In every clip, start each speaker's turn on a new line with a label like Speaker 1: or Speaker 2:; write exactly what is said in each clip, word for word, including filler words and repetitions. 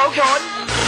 Speaker 1: ขน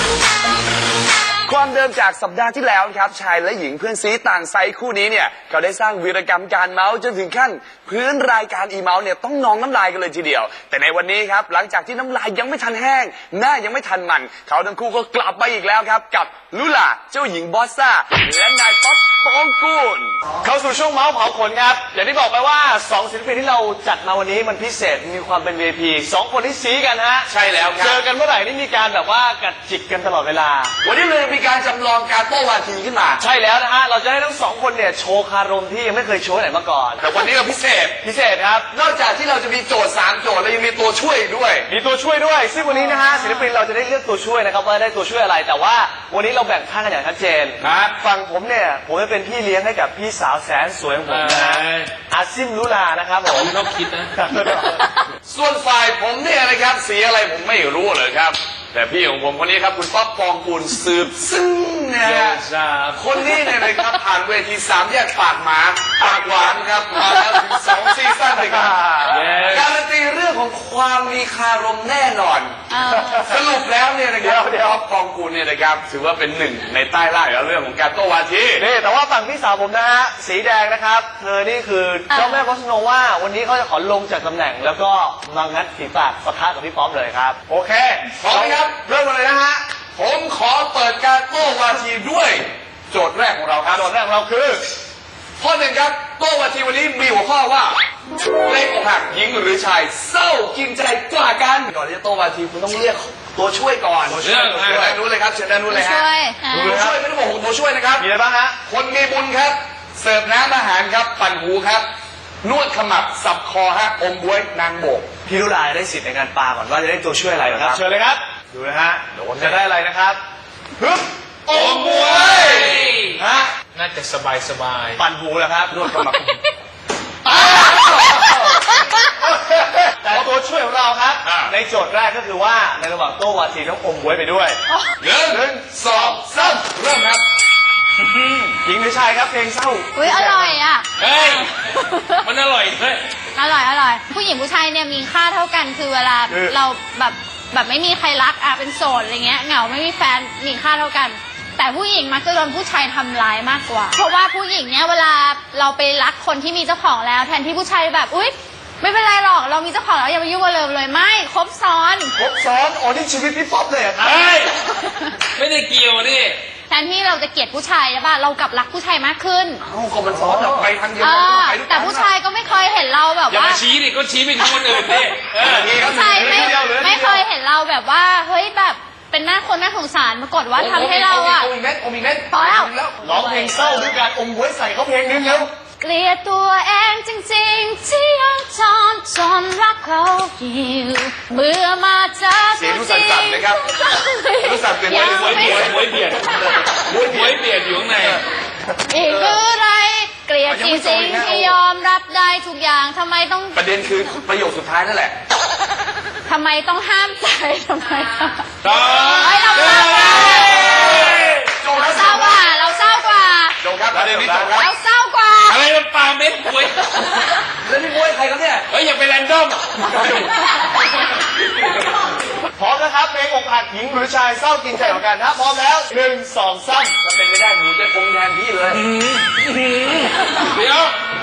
Speaker 1: ความเดิมจากสัปดาห์ที่แล้วครับชายและหญิงเพื่อนซีต่างไซส์คู่นี้เนี่ยเขาได้สร้างวีรกรรมการเมาส์จนถึงขั้นพื้นรายการอีเมาส์เนี่ยต้องนองน้ำลายกันเลยทีเดียวแต่ในวันนี้ครับหลังจากที่น้ำลายยังไม่ทันแห้งหน้ายังไม่ทันมันเขาทั้งคู่ก็กลับมาอีกแล้วครับกับลุล่าเจ้าหญิงบอสซ่าและนายป๊อปปองกูล
Speaker 2: เข้าสู่ช่วงเมาส์เผาขนครับอย่างที่บอกไปว่าสองศิลปินที่เราจัดมาวันนี้มันพิเศษมีความเป็น วี ไอ พี สองคนที่ซีกันฮะ
Speaker 1: ใช่แล้วครับ
Speaker 2: เจอกันเมื่อไหร่นี่มีการแบบว่ากัดจิกกันตลอดเวลา
Speaker 1: วันนี้เลยมีการจำลองการโต้วาทีขึ้นมา
Speaker 2: ใช่แล้วนะฮะเราจะให้ทั้งสองคนเนี่ยโชว์คารมที่ยังไม่เคยโชว์ไหนมาก่อน
Speaker 1: แต่วันนี้ก็พิเศษ
Speaker 2: พิเศษครับ
Speaker 1: นอกจากที่เราจะมีโจทย์สามโจทย์แล้วยังมีตัวช่วยด้วย
Speaker 2: มีตัวช่วยด้วยซึ่งวันนี้นะฮะศิลปินเราจะได้เลือกตัวช่วยนะครับว่าได้ตัวช่วยอะไรแต่ว่าวันนี้เราแบ่งข้างกันอย่างชัดเจน
Speaker 1: ครับ
Speaker 2: ฝั่งผมเนี่ยผมจะเป็นพี่เลี้ยงให้กับพี่สาวแสนสวยของผมนะฮะอาซิมลุลานะครับผม
Speaker 3: ชอบคิดนะ
Speaker 1: ส่วนฝ่ายผมเนี่ยนะครับสีอะไรผมไม่รู้เลยครับแต่พี่ของผมคนนี้ครับคุณป๊อปปองกูลสืบซึ่งเนี่ยคนนี้เนี่ยนะครับผ่านเวทีสามแยกปากหมาปากหวานครับมาแล้วถึงสองซีซั่นเลยครับการันตีเรื่องของความมีคารมแน่นอนสรุปแล้วเนี่ยนะครับเดี๋ยวปองกูลเนี่ยนะครับถือว่าเป็นหนึ่งในใต้ล่าแล้วเรื่องของการโต้วาที
Speaker 2: นี่แต่ว่าฝั่งพี่สาวผมนะฮะสีแดงนะครับเธอนี่คือเจ้าแม่คอสโนว่าวันนี้เขาจะขอลงจากตำแหน่งแล้วก็มางัดฝีปากปะทะกับพี่ป๊อปเลยครับ
Speaker 1: โอเคพร้อมไหมครับเริ่มเลยนะฮะผมขอเปิดการโต้วาทีด้วยโจทย์แรกของเราครับ
Speaker 2: โจทย์แรกของเราคือ
Speaker 1: ข้อหนึ่งครับโต้วาทีวันนี้มีหัวข้อว่าเพลงอกหักหญิงหรือชายเศร้ากินใจกว่ากันก่อนที่จะโต้วาทีคุณต้องเรียกตัวช่วยก่อน
Speaker 3: ตัวช่วย
Speaker 1: เชิญด้านนู้นเลยครับเชิญด้านนู้นเลยฮะตัวช่วยไม่ต้องบอกตัวช่วยนะครับ
Speaker 2: มีอะไรบ้างฮะ
Speaker 1: คนมีบุญครับเสิร์ฟน้ำอาหารครับปั่นหูครับนวดขมับสับคอฮะอมบ๊วยนางโบก
Speaker 2: พี่ลุลาได้สิทธิ์ในการปาก่อนว่าจะได้ตัวช่วยอะไรนะครับเชิญเลยครับดูนะฮะจะได้อะไรนะครับฮึบ
Speaker 1: อมบ๊วย
Speaker 2: ฮะ
Speaker 3: น่าจะสบายสบาย
Speaker 2: ปั่นหูนะครับนวดขมับแต่ตัวช่วยของเราครับในโจทย์แรกก็คือว่าในระหว่างโต้วาทีต้องอมบ๊วยไปด้วย
Speaker 1: หนึ่งสองสามเริ่มครับ
Speaker 2: หญิงหรือชายครับเพลงเศร้า
Speaker 4: อุ้ยอร่อยอ่ะ
Speaker 3: เฮ้ยมันอร่อยเฮ้ย
Speaker 4: อร่อยอร่อยผู้หญิงผู้ชายเนี่ยมีค่าเท่ากันคือเวลาเราแบบแบบไม่มีใครรักอ่ะเป็นโสดอะไรเงี้ยเหงาไม่มีแฟนมีค่าเท่ากันแต่ผู้หญิงมักจะโดนผู้ชายทำร้ายมากกว่าเพราะว่าผู้หญิงเนี่ยเวลาเราไปรักคนที่มีเจ้าของแล้วแทนที่ผู้ชายแบบอุ๊ยไม่เป็นไรหรอกเรามีเจ้าของแล้วอย่ามายุ่งกับเราเลยไม่ครบซ้อน
Speaker 2: ครบซ้อนอ๋อนี่ชีวิตพี่ป๊อปเลยครับ
Speaker 3: ไม่ได้เกี่ยวดิ
Speaker 4: แทนที่เราจะเกลียดผู้ชายใช่ป่ะเรากลับรักผู้ชายมากขึ้น
Speaker 1: เอ้าก็มันซ้อนแบบไปทางเดียว
Speaker 4: กันแต่ผู้ชายก็ไม่เคยเห็นเราแบบว่า
Speaker 3: อย่ามาชี้ดิก็ชี้ไปที่คนอื่นดิ
Speaker 4: ผู้ชายไม่ไม่เคยเห็นเราแบบว่าเฮ้ยแบบเป็นหน้าคนน่าสงสารปรากฏว่าทำให้เราอ่ะ
Speaker 1: อมอีกเม็ดอมอีกเม็ด
Speaker 4: พอแล้ว
Speaker 2: ร้องเพลงเศร้าด้วยการอมบ๊วยใส่เขาเพลงนึงแล้ว
Speaker 4: เกลียดตัวเองจริงๆที่ยังทนจนรักเขาอยู่เมื่อมาเจอ
Speaker 1: เสียงรู้สั่นๆนะครับรู้สั่นเป็น
Speaker 3: มวยเบียดมวยเบียดมวยเบียดอยู่ข้างใน
Speaker 4: อีกคืออะไรเกลียดจริงๆที่ยอมรับได้ทุกอย่างทำไมต้อง
Speaker 1: ประเด็นคือประโยคสุดท้ายนั่นแหละ
Speaker 4: ทำไมต้องห้ามใจทำไม
Speaker 1: ต้อง
Speaker 4: เฮ้ยเราเศร้ากว่าเราเศร้ากว่าเราเศร้ากว่า
Speaker 1: จบครับประเด็นนี้จบครับ
Speaker 4: เราเศร้ากว่า
Speaker 3: อะไรมันปาเม็ดบวย
Speaker 1: แล้วนี่บวยใครครับเนี่ย
Speaker 3: เฮ้ยอย่าไปแรนดอม
Speaker 2: พร้อมนะครับเพลงอกหักหญิงหรือชายเศร้ากินใจของกันถ้าพร้อมแล้วหนึ่งสองสาม
Speaker 1: จะเป็นไม่ได้หนูจะคงแทนพี่เลย
Speaker 3: เดี๋ยว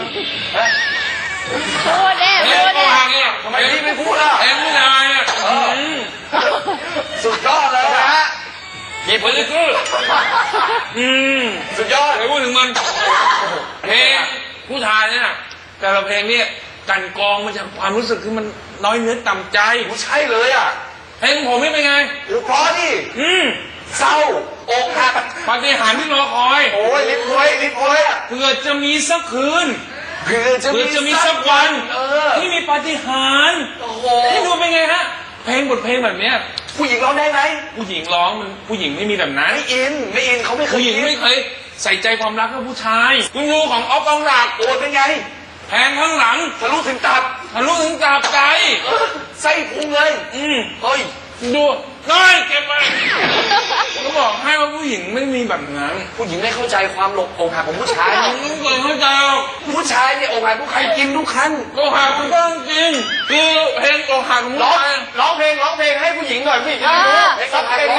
Speaker 4: พูดเด้พูดเด้
Speaker 1: ทำไมพี่ไม่พูดล่ะ
Speaker 3: เอ็มไม่ได้อ่ะ
Speaker 1: สุดยอดเลยนะฮะ
Speaker 3: หยิบไปเลยคืออืม
Speaker 1: สุดยอด
Speaker 3: ไปพูดถึงมันเพลงผู้ชายเนี่ยแต่ละเพลงเนี่ยกันกองมาจากความรู้สึกคือมันน้อยเนื้อต่ำใจ
Speaker 1: ใช่เลยอ่ะ
Speaker 3: เพลงผมนี่เป็นไง
Speaker 1: เพราะนี่
Speaker 3: อืม
Speaker 1: เศร้าอกหัก
Speaker 3: ปาฏิหาริย์ที่รอคอย
Speaker 1: โอ้ยลิ้นพวยลิ้นพวย
Speaker 3: เผื่อจะมีสักคืน
Speaker 1: เผื่อจะมี
Speaker 3: จะมีสักวันที่มีปาฏิหาริย์ให้ดูเป็นไงฮะเพลงบทเพลงแบบเนี้ย
Speaker 1: ผู้หญิงร้องได้ไหม
Speaker 3: ผู้หญิงร้องมันผู้หญิงไม่มีแบบนั้น
Speaker 1: ไม่อินไม่อินเขาไม่เคย
Speaker 3: ผู้หญิงไม่เคยใส่ใจความรักกับผู้ชายคุณดูของออฟปองศักดิ์
Speaker 1: โอ้เป็นไง
Speaker 3: แทงข้างหลัง
Speaker 1: ทะลุถึงตับ
Speaker 3: ทะลุถึงตับใจ
Speaker 1: ไส้พุงเลย
Speaker 3: อืม
Speaker 1: เฮ้ย
Speaker 3: ดูน้อยเก็บไปก็บอกให้ว่าผู้หญิงไม่มีแบบนั้น
Speaker 1: ผู้หญิงไม่เข้าใจความหลบอกหักของผู้ชาย
Speaker 3: ไม่เคยเข้าใจ
Speaker 1: ผู้ชายเนี่ยอกหักผู้ใครกินทุกครั้ง
Speaker 3: อกหักมันก็จริงคือเพลงอกหักของผู้ชาย
Speaker 2: ร้องเพลงร้องเพลงให้ผู้หญิงหน่อยผู้หญิง
Speaker 4: ร้อง
Speaker 2: สักเพลง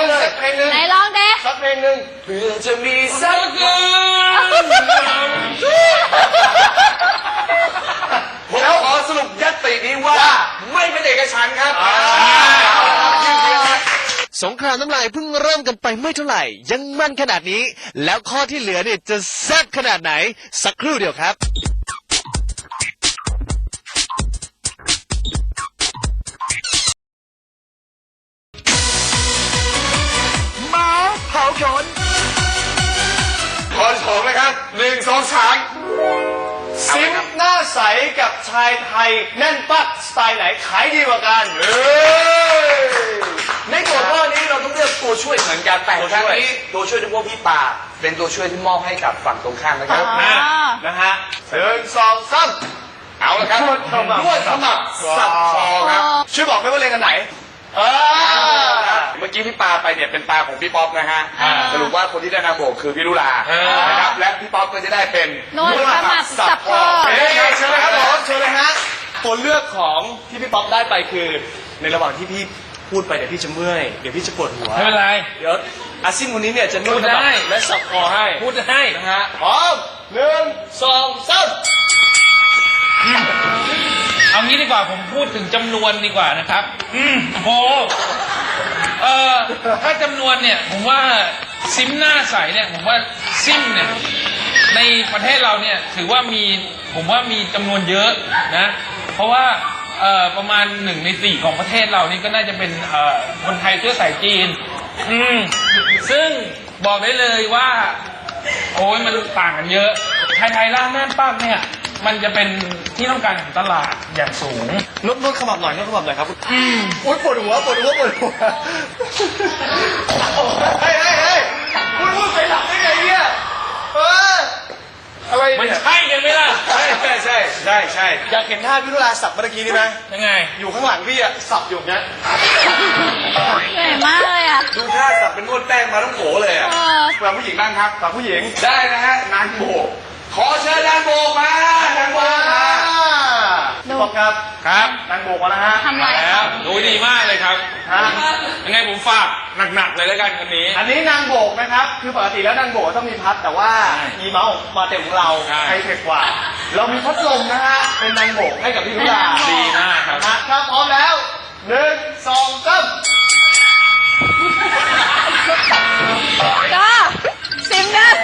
Speaker 1: เพื่อจะมีสัก ผมขอสรุปยัตตินี้ว่าไม่เป็นเอกฉันท์ครับ
Speaker 5: สงครามน้ำลายเพิ่งเริ่มกันไปไม่เท่าไหร่ ยังมันขนาดนี้ แล้วข้อที่เหลือเนี่ยจะแซ่บขนาดไหน สักครู่เดียวครับ มาเผาขน
Speaker 1: ขอสองนะครับหนึ่งสองสาม
Speaker 2: ซิมหน้าใสกับชายไทยแน่นปักสไตล์ไหนขายดีกว่ากัน
Speaker 1: เอ้ยในตัวข้อนี้เราต้องเลือกตัวช่วยเหมือนกันแต่ครั้งนี้ตัวช่วยที่พวกพี่ป่าเป็นตัวช่วยที่มอบให้กับฝั่งตรงข้ามนะครับ
Speaker 4: อ๋อ
Speaker 2: นะฮะหนึ่งสองสาม
Speaker 1: เอาละครับ
Speaker 2: นวดขมับ
Speaker 1: นวดขมับสับคอครับ
Speaker 2: ช่วยบอกได้ว่าเรียนกันไหนเออ
Speaker 1: เมื่อกี้พี่ปาไปเนี่ยเป็นปลาของพี่ป๊อปนะฮะ
Speaker 4: อ่า
Speaker 1: สรุปว่าคนที่ได้นามโบกคือพี่ลุลา
Speaker 3: อ่าน
Speaker 1: นะครับและพี่ป๊อปก็จะได้เป็น
Speaker 4: นวดขมับสับคอ
Speaker 2: เฮ้ยเชิญเลยครับผมเชิญเลยฮะตัวเลือกของที่พี่ป๊อปได้ไปคือ ในระหว่างที่พี่พูดไปเดี๋ยวพี่จะเมื่อยเดี๋ยวพี่จะปวดหัว
Speaker 3: ไม่เป็นไร
Speaker 2: เดี๋ยวอาซิมคนนี้เนี่ยจะนวด
Speaker 3: พูดได้
Speaker 2: และสับคอให้
Speaker 3: พูดให้
Speaker 2: นะฮะพร้อมหนึ่งสองสาม
Speaker 3: เอางี้ดีกว่าผมพูดถึงจำนวนดีกว่านะครับ อืมโหเอ่อถ้าจำนวนเนี่ยผมว่าซิมหน้าใสเนี่ยผมว่าซิมเนี่ยในประเทศเราเนี่ยถือว่ามีผมว่ามีจำนวนเยอะนะ เพราะว่าเอ่อประมาณหนึ่งในสี่ของประเทศเรานี่ก็น่าจะเป็นเอ่อคนไทยเชื้อสายจีน อืมซึ่งบอกได้เลยว่า โอ้ยมันต่างกันเยอะ ไทยไทยล่าแม่นป้าเนี่ย มันจะเป็นที่ต้องการของตลาดอย่างสูง
Speaker 2: นวดนวดขมับหน่อยนวดขมับหน่อยครับ
Speaker 3: อืม
Speaker 2: โอ๊ยปวดหัวปวดหัวปวดหัวเฮ้ยเฮ้ยเฮ้ยคุณพูดไปหลับได้ไงเนี่ยเอออะไร
Speaker 3: มัน
Speaker 2: เนี่ย
Speaker 3: ใช่กันไหมล่ะ
Speaker 2: ใช่ใช่ใช่ใช่ใช่อยากเห็นท่าพี่ลุลาสับเมื่อกี้นี่ไหม
Speaker 3: ยังไง
Speaker 2: อยู่ข้างหลังพี่อะสับอยู่เนี้ย
Speaker 4: เหนื่อยมากเลยอ่ะ
Speaker 1: ดูท่าสับเป็นนวดแป้งมาต้องโผเลยอ่ะ
Speaker 4: เออ
Speaker 1: ฝั่งผู้หญิงบ้างครับ
Speaker 2: ฝั่งผู้หญิง
Speaker 1: ได้นะฮะนางโบกขอเชิญนางโบกมานางโบกมา
Speaker 2: ดูครับ
Speaker 3: ครับ
Speaker 2: นางโบกมาแล้วฮะ
Speaker 4: ทำไร
Speaker 3: แล้วดูดีมากเลยครับ
Speaker 2: ฮะ
Speaker 3: ยังไงผมฝากหนักๆเลยแล้วกันคนนี้
Speaker 2: อันนี้นางโบกนะครับ คือปกติแล้วนางโบกต้องมีพัด แต่ว่า
Speaker 3: ใช่
Speaker 2: อีเมาส์มาเต็มของเรา
Speaker 3: ใช่
Speaker 2: ไฮเทคกว่า เรามีพัดลมนะฮะ เป็นนางโบกให้กับพี่ลุลา
Speaker 3: ดีมากครับ
Speaker 2: นะถ้าพร้อมแล้วหนึ่งสองสาม
Speaker 4: ก็ซิมหน้า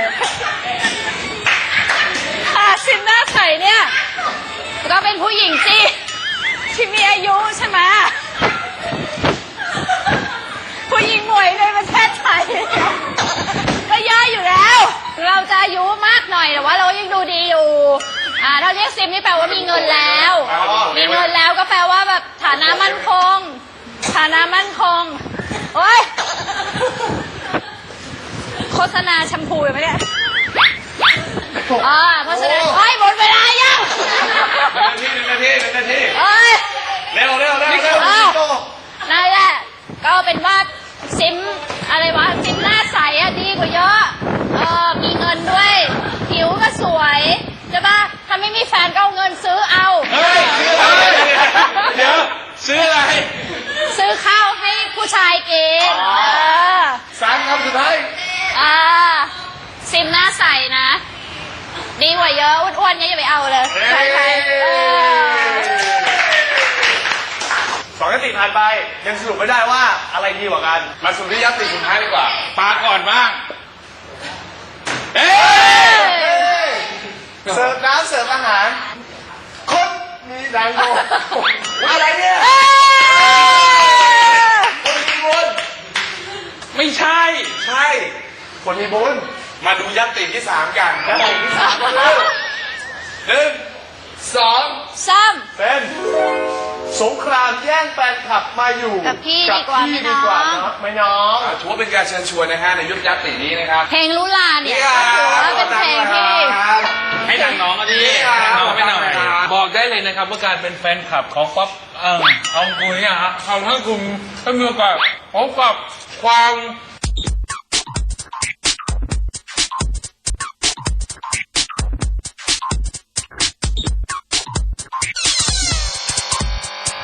Speaker 4: ค่ะซิมหน้าใสเนี่ย ก็เป็นผู้หญิงที่ที่มีอายุใช่ไหมผู้หญิงหมวยในประเทศไทยก็เยอะอยู่แล้ว เราจะอายุมากหน่อยแต่ว่าเรายังดูดีอยู่ อ่าถ้าเรียกซิมนี่แปลว่ามีเงินแล้ว มีเงินแล้วก็แปลว่าแบบฐานะมั่นคง ฐานะมั่นคงโอ้ยโฆษณาแชมพูอยู่ไหมเนี่ยอ่าเพราะฉะนั้นเฮ้ยหมดเวลายัง
Speaker 1: หนึ่งนาทีหนึ่งนาทีหนึ่งนาที
Speaker 4: เอ้ย
Speaker 1: เร็วเร็วเร็วเร็ว
Speaker 4: อ้าวนั่นแหละ ก็เป็นว่าซิมอะไรวะซิมหน้าใสอะดีกว่าเยอะ เออมีเงินด้วย ผิวก็สวยใช่ปะถ้าไม่มีแฟนก็เอาเงินซื้อเอา
Speaker 3: เฮ้ยซื้ออะไรเดี๋ยวซื้ออะไร
Speaker 4: ซื้อข้าวให้ผู้ชายกินเออ
Speaker 1: สามคำสุดท้าย
Speaker 4: อ่าซิมหน้าใสนะ ดีกว่าเยอะอ้วนๆเนี้ยอย่าไปเอาเลยใครๆเออ
Speaker 2: สองยติผ่านไป ยังสรุปไม่ได้ว่าอะไรดีกว่ากัน
Speaker 1: มาสู่ที่ยัตติสุดท้ายดีกว่า
Speaker 3: ปาก่อนบ้าง เอ๊ะ
Speaker 2: เสิร์ฟน้ำเสิร์ฟอาหาร คนมีนางโบก
Speaker 1: อะไรเนี่ย
Speaker 4: เอ้ย
Speaker 1: คนมีบุญ
Speaker 3: ไม่ใช่
Speaker 1: ใช่
Speaker 2: คนมีบุญ
Speaker 1: มาดูยัตติที่สามกัน
Speaker 2: ยัตติที่สามก็คือ
Speaker 1: หนึ่งสอง
Speaker 4: ซ้
Speaker 2: เป็นสงครามแย่งแฟนคลับมาอยู่
Speaker 4: กับพี่ดีกว่า
Speaker 2: พี่
Speaker 4: ไหม
Speaker 2: ดีกว่า
Speaker 4: น้อง
Speaker 2: เนาะไม่น้อง
Speaker 1: ถือว่าเป็นการเชิญชวนนะฮะในยุคยัตตินี้นะครับ
Speaker 4: ำเพลงลุลาเนี่ยถือว่าเป็นเพลงที่
Speaker 3: ให้นางน้องอ่ะดิให้นางน้องไปหน่อย บอกได้เลยนะครับว่าการเป็นแฟนคลับของป๊อปเอ่อเอาคุยอ่ะฮะทำให้คุณได้มีโอกาสพบกับความ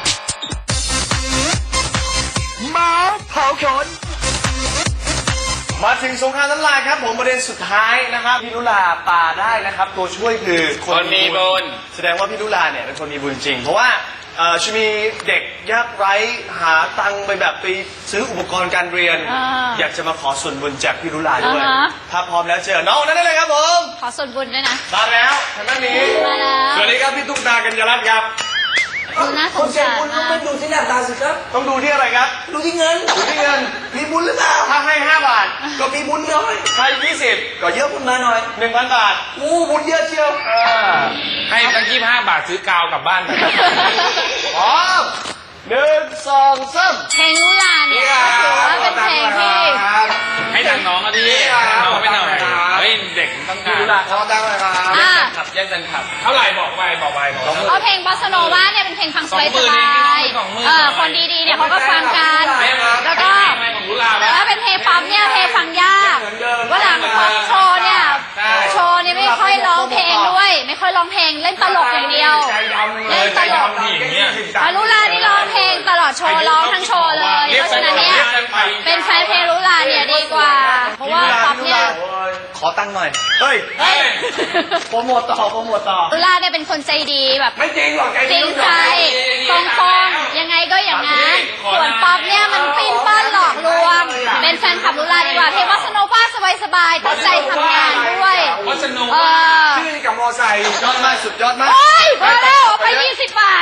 Speaker 5: มาเผาขน
Speaker 2: มาถึงสงครามน้ำลายครับผมประเด็นสุดท้ายนะครับพี่ลุลาปาได้นะครับตัวช่วยคือคนมีบุญแสดงว่าพี่ลุลาเนี่ยเป็นคนมีบุญจริงเพราะว่าเอ่อจะมีเด็กยากไร้หาตังค์ไปแบบไปซื้ออุปกรณ์การเรียน
Speaker 4: อ่า
Speaker 2: อยากจะมาขอส่วนบุญจากพี่ลุลาด้วย
Speaker 4: อ่าฮะ
Speaker 2: ถ้าพร้อมแล้วเจอน้องนั้นได้เลยครับผม
Speaker 4: ขอส่วนบุญด้วยนะ
Speaker 2: มาแล้วทางด้านนี้
Speaker 4: มาแล้ว
Speaker 2: สวัสดีครับพี่ตุ๊กตากัญญารัตน์ครับ
Speaker 4: ดูน่าสงสาร
Speaker 6: คุณต้อง
Speaker 4: มา
Speaker 6: ไม่
Speaker 4: ก
Speaker 6: ดูที่หน้าตาสิครับ
Speaker 2: ต้องดูที่อะไรครับ
Speaker 6: ดูที่เงิน
Speaker 2: ดูที่เงิน
Speaker 6: มีบุญหรือเปล่า
Speaker 2: ถ้าให้ห้าบาท
Speaker 6: ก็มีบุญน้อย
Speaker 2: ให้ยี่สิบ
Speaker 6: ก็เยอะบุญมาหน่อย
Speaker 2: หนึ่งพันบาท
Speaker 6: อู้บุญเยอะเชียว
Speaker 2: อ่า
Speaker 3: ให้ตั้งยี่ห้าบาทซื้อกาวกลับบ้านไป
Speaker 2: พร้อมหนึ่งสองสาม
Speaker 4: เพลงลุลาเนี่ยถือว่าเป็นเพลงที่
Speaker 3: ให้ทางน้องก็ดีให้น้องไม่หน่อยเฮ้ยเด็กต้องการ
Speaker 2: พี่ลุลาขอดังเลยครับ
Speaker 4: อ่า
Speaker 2: ขับแย่งกันขับ
Speaker 3: เท่าไหร่บอกไปบอกไปบอกไป
Speaker 4: เอาเพลงบอสโนวาเนี่ยเป็นเพลงฟังสบาย
Speaker 3: สองหมื่
Speaker 4: ส
Speaker 3: นเอง
Speaker 4: บาย
Speaker 3: สองหมื่น
Speaker 4: เออคนดีๆเนี่ยเขาก็ฟังกัน
Speaker 3: ไม่ไม่
Speaker 4: แล้วก็
Speaker 3: ไม่ของลุลา
Speaker 4: แต่ว่าเป็นเพลงป๊อปเนี่ยเพลงฟังยากว่าหลังป๊อปโชว์เนี่ย
Speaker 3: ใช่
Speaker 4: โชว์เนี่ยไม่ค่อยร้องเพลงด้วย ไม่ค่อยร้องเพลงเล่นตลกอย่างเดียว
Speaker 2: ใจดำเล
Speaker 4: เล่
Speaker 2: ย
Speaker 4: นตลก
Speaker 3: ผู้หญิงเนี่ย
Speaker 4: อารุลานี่ร้องเพลงตลอดโชว์ร้องทั้งโชว์เลย เพราะฉะนั้นเนี่ยเป็นแฟนเพลงรุลาเนี่ยดีกว่า เพราะว่าป๊อปเนี่ย
Speaker 2: ขอตังค์หน่อย เฮ้ย
Speaker 4: เฮ้ย
Speaker 2: โปรโมทต่อโปรโมทต่อ
Speaker 4: รุลาเนี่ยเป็นคนใจดีแบบ
Speaker 2: ไม่จริงหรอกใจ
Speaker 4: จริงใจตรงๆยังไงก็อย่างนั้นส่วนป๊อปเนี่ยมันปิ้นป้อนหลอกลวง เป็นแฟนคลับรุลาดีกว่าเพลงวัสโนบ้าสบายๆตั้งใจทำงานด้วย
Speaker 3: วัสนุก
Speaker 4: เออ
Speaker 2: ชื่อกับมอไซค์ยอดมากสุดยอดมาก
Speaker 4: โอ้ยพอแล้วเอาไปยี่สิบบาท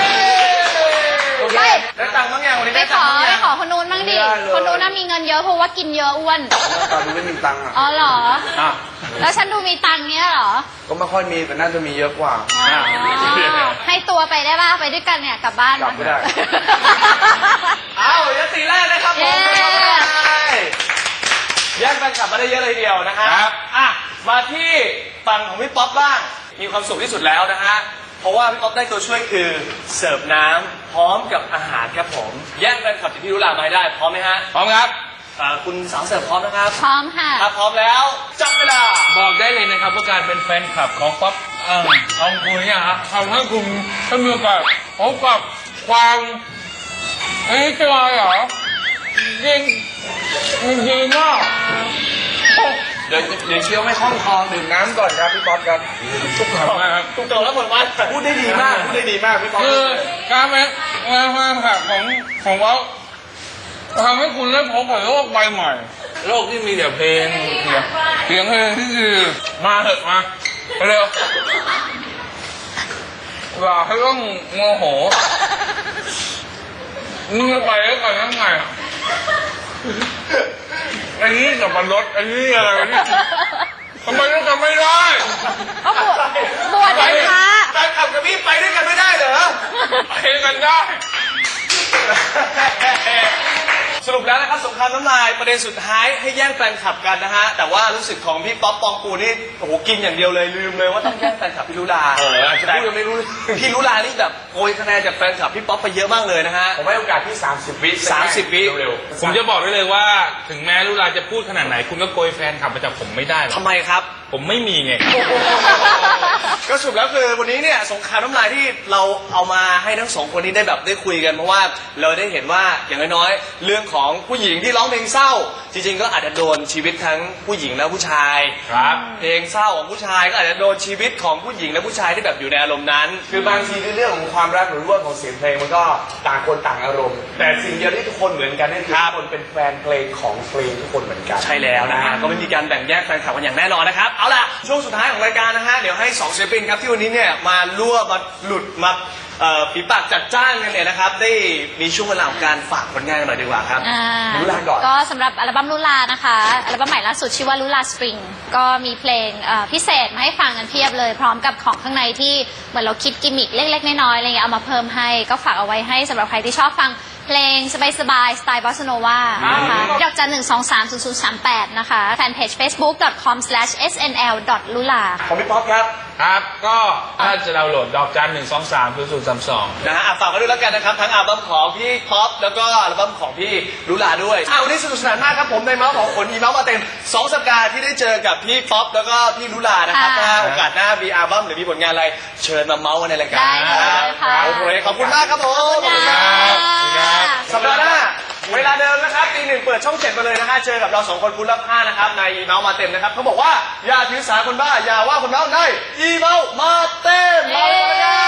Speaker 4: ไม่
Speaker 2: ได้ตังค์บ้างยังวันนี้
Speaker 4: ไป
Speaker 2: ได้
Speaker 4: ข
Speaker 2: ตัง
Speaker 4: อ
Speaker 2: ค์บ้าง
Speaker 4: ไป
Speaker 2: ยัง
Speaker 4: ขอคนนู้นบ้างดิ คนนู้นน่ะมีเงินเยอะเพราะว่ากินเยอะอ้วน
Speaker 6: ตอนนี้ไม่มีตังค์อ่ะ
Speaker 4: อ๋อเหรอ
Speaker 2: อ่ะ
Speaker 4: แล้วฉันดูมีตังค์เนี้ยเหรอ
Speaker 6: ก็ไม่ค่อยมีแต่น่าจะมีเยอะกว่า
Speaker 4: อ๋อให้ตัวไปได้ป่ะไปด้วยกันเนี่ยกลับบ้าน
Speaker 6: กลับไม่ได้
Speaker 2: อ้าวยติแรกนะครับผม
Speaker 4: เย้
Speaker 2: แย่งแฟนคลับมาได้เยอะเลยทีเดียวนะฮะ
Speaker 3: ครับ
Speaker 2: อ่ะมาที่ฝั่งของพี่ป๊อปบ้าง มีความสุขที่สุดแล้วนะฮะ เพราะว่าพี่ป๊อปได้ตัวช่วยคือเสิร์ฟน้ำพร้อมกับอาหารครับผม แย่งแฟนคลับจากพี่รุลามาให้ได้พร้อมไหมฮะ
Speaker 3: พร้อมครับ
Speaker 2: อ่าคุณสาวเสิร์ฟพร้อมนะครับ
Speaker 4: พร้อมค่ะ
Speaker 2: ถ้าพร้อมแล้วจับเวลา
Speaker 3: บอกได้เลยนะครับว่าการเป็นแฟนคลับของป๊อปเอ่อของคุณเนี่ยฮะทำให้คุณได้มีโอกาสพบกับความเอ้ยจะมาเหรอจริงจริงมาก
Speaker 6: เดี๋ยวเดี๋ยวเชี่ยวไม่คล่องคอดื่มน้ำก่อนครับพี่ป๊อปครับ
Speaker 3: ทุกคนนะครับ
Speaker 2: ถูกต้องแล้วผลวันพูดได้ดีมาก พูดได้ดีมากพี่ป๊อป
Speaker 3: คือการเป็นแฟนคลับของของเราทำให้คุณได้พบกับโลกใบใหม่ โลกที่มีแต่เพลงเสียงเสียงเพลงที่ดีมาเถอะมาเร็วอย่าให้ต้องโมโหมึงจะไปแล้วกันยังไงไอ้นี่กับมันรถไอ้นี่อะไรวะเนี่ยทำไมต้องทำไม่ได้
Speaker 4: ก็บวชบวชเป็นพระ
Speaker 2: แฟนคลับกับพี่ไปด้วยกันไม่ได้เหรอ
Speaker 3: ไปกันได้
Speaker 2: สรุปแล้วนะครับสงครามน้ำลายประเด็นสุดท้ายให้แย่งแฟนคลับกันนะฮะแต่ว่ารู้สึกของพี่ป๊อปปองกูนี่โอ้โหกินอย่างเดียวเลยลืมเลยว่าต้องแย่งแฟนคลับพี่ลุลา
Speaker 3: เอออาจจะ
Speaker 2: แต่
Speaker 3: พูดยังไม่รู้
Speaker 2: พี่ลุลานี่แบบโกยคะแนนจากแฟนคลับพี่ป๊อปไปเยอะมากเลยนะฮะ
Speaker 6: ผมให้โอกาสที่สามสิบวิ
Speaker 2: สามสิบวิ
Speaker 6: เร็ว
Speaker 3: ผมจะบอกได้เลยว่าถึงแม้ลุลาจะพูดขนาดไหน คุณก็โกยแฟนคลับมาจากผมไม่ได้หรอก
Speaker 2: ทำไมครับ
Speaker 3: ผมไม่มีไง
Speaker 2: ก็สรุปแล้วคือวันนี้เนี่ยสงครามน้ำลายที่เราเอามาให้ทั้งสองคนนี้ได้แบบได้คุยกันเพราะว่าเราได้เห็นว่าอย่างน้อยๆเรื่องของผู้หญิงที่ร้องเพลงเศร้า จริงๆก็อาจจะโดนชีวิตทั้งผู้หญิงและผู้ชาย
Speaker 3: ครับ
Speaker 2: เพลงเศร้าของผู้ชายก็อาจจะโดนชีวิตของผู้หญิงและผู้ชายที่แบบอยู่ในอารมณ์นั้น
Speaker 6: คือบางทีในเรื่องของความรักหรือเรื่องของเสียงเพลงมันก็ต่างคนต่างอารมณ์ แต่สิ่งเดียวที่ทุกคนเหมือนกันนั่นคือทุกคนเป็นแฟนเพลงของเพลงทุกคนเหมือนกัน
Speaker 2: ใช่แล้วนะฮะก็ไม่มีการแบ่งแยกแฟนคลับกันอย่างแน่นอนนะครับเอาล่ะช่วงสุดท้ายของรายการนะฮะเดี๋ยวให้สองศิลปินครับที่วันนี้เนี่ยมารั่วมาหลุดมาเอ่อฝีปากจัดจ้านกันเนี่ยนะครับได้มีช่วงเวลาของการฝากผลงานกันหน่อยดีกว่าครับ
Speaker 4: อ่า
Speaker 2: ลุลาก่อน
Speaker 4: ก็สำหรับอัลบั้มลุลานะคะอัลบั้มใหม่ล่าสุดชื่อว่าลุลาสปริงก็มีเพลงเอ่อพิเศษมาให้ฟังกันเพียบเลย พร้อมกับของข้างในที่เหมือนเราคิดกิมมิคเล็กๆน้อยๆอะไรเงี้ยเอามาเพิ่มให้ก็ฝากเอาไว้ให้สำหรับใครที่ชอบฟังเพลงสบายๆสไตล์บอสโนวานะคะดอกจันหนึ่งสองสามศูนย์ศูนย์สามแปดนะคะแฟนเพจ เฟซบุ๊ก ดอท คอม สแลช เอส เอ็น แอล ดอท ลูลา
Speaker 2: ของพี่ป๊อปครับ
Speaker 3: ครับ ก็ถ้าจะดาวน์โหลดดอกจันหนึ่งสองสามศูนย์ศูนย์สามสอง
Speaker 2: นะฮะอ่ะฝากกันด้วยแล้วกันนะครับ ทั้งอัลบั้มของพี่ป๊อปแล้วก็อัลบั้มของพี่ลุลาด้วยอ่ะวันนี้สนุกสนานมากครับผมในเมาส์ของขนมีเมาส์มาเต็มสองสัปดาห์ที่ได้เจอกับพี่ป๊อปแล้วก็พี่ลุลานะครับ
Speaker 4: ค่ะ
Speaker 2: ถ้าโอกาสหน้ามีอัลบั้มหรือมีผลงานอะไรเชิญมาเมาส์กันในรายการ
Speaker 4: ได้เลยค่ะ
Speaker 2: โอเคขอบคุณมากครับผม
Speaker 4: ขอบคุณค่ะ
Speaker 2: สัปดาห์หน้าเวลาเดิมนะครับตีหนึ่งเปิดช่องเจ็ดมาเลยนะฮะเจอกับเราสองคนคุณรับห้านะครับในอีเมาส์มาเต็มนะครับเขาบอกว่าอย่าถือสาคนบ้าอย่าว่าคนเมาในอีเมาส์มาเต็มมาเลยครับ